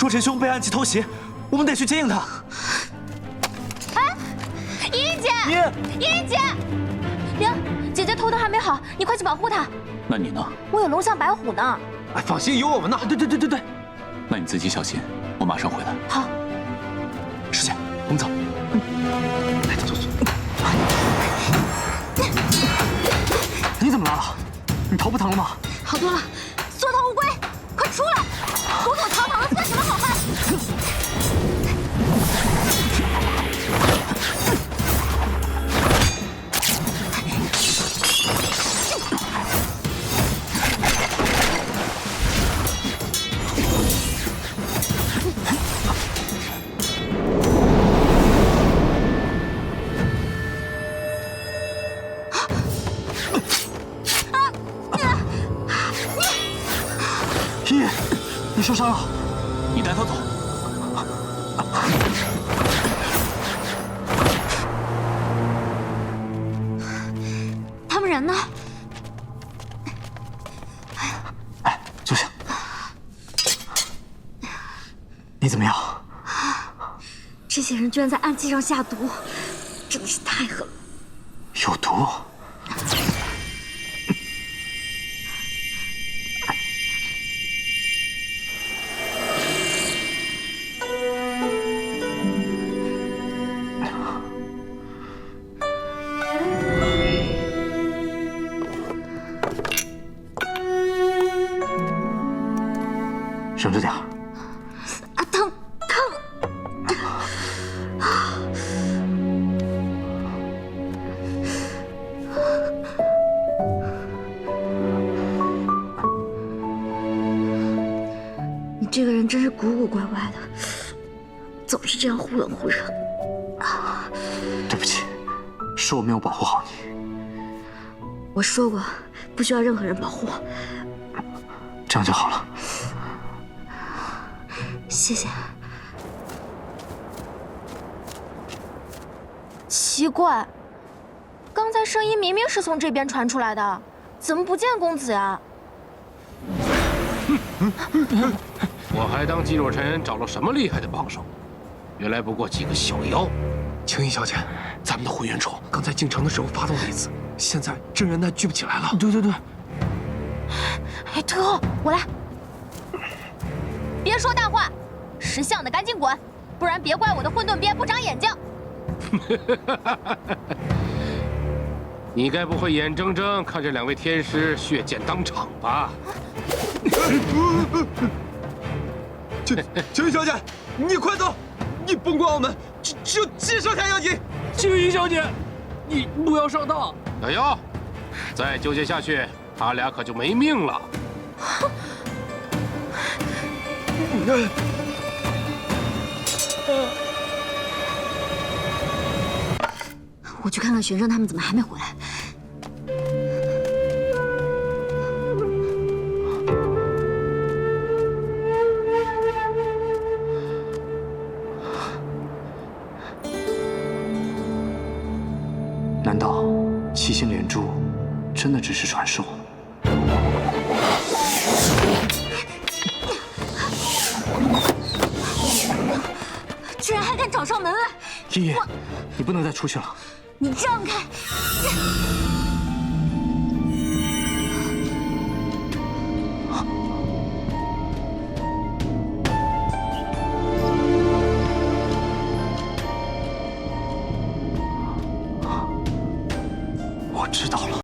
顾真兄被暗器偷袭，我们得去接应他。 哎，依依姐，依依姐，灵，姐姐头疼还没好，你快去保护她。 那你呢？ 我有龙象白虎呢。 哎，放心，有我们呢。 对， 那你自己小心，我马上回来。 好， 师姐，我们走。 来，走。 你怎么来了？你头不疼了吗？ 好多了。缩头乌龟，快出来！虎口逃跑了算什么好汉？ 依依，你受伤了， 你带他走。 他们人呢？ 哎，坐下。你怎么样？ 这些人居然在暗器上下毒，真的是太狠了。 有毒？省着点儿。 啊，疼！你这个人真是古古怪怪的，总是这样忽冷忽热。 对不起，是我没有保护好你。 我说过，不需要任何人保护。 这样就好了。 谢谢。奇怪，刚才声音明明是从这边传出来的，怎么不见公子呀？ 我还当季若尘找了什么厉害的帮手，原来不过几个小妖。 青衣小姐，咱们的混元虫刚才进城的时候发动了一次，现在真人那聚不起来了。 对。 哎，退后，我来。别说大话，识相的赶紧滚，不然别怪我的混沌鞭不长眼睛。 你该不会眼睁睁看着两位天师血溅当场吧？ 青衣小姐，你快走！你甭管我们，只有季少侠要紧。 青衣小姐，你不要上当！ 小妖，再纠结下去，他俩可就没命了。 我去看看玄圣他们怎么还没回来。 难道七星连珠真的只是传说？ 居然还敢找上门来！ 依依，你不能再出去了。 你让开！ 我知道了。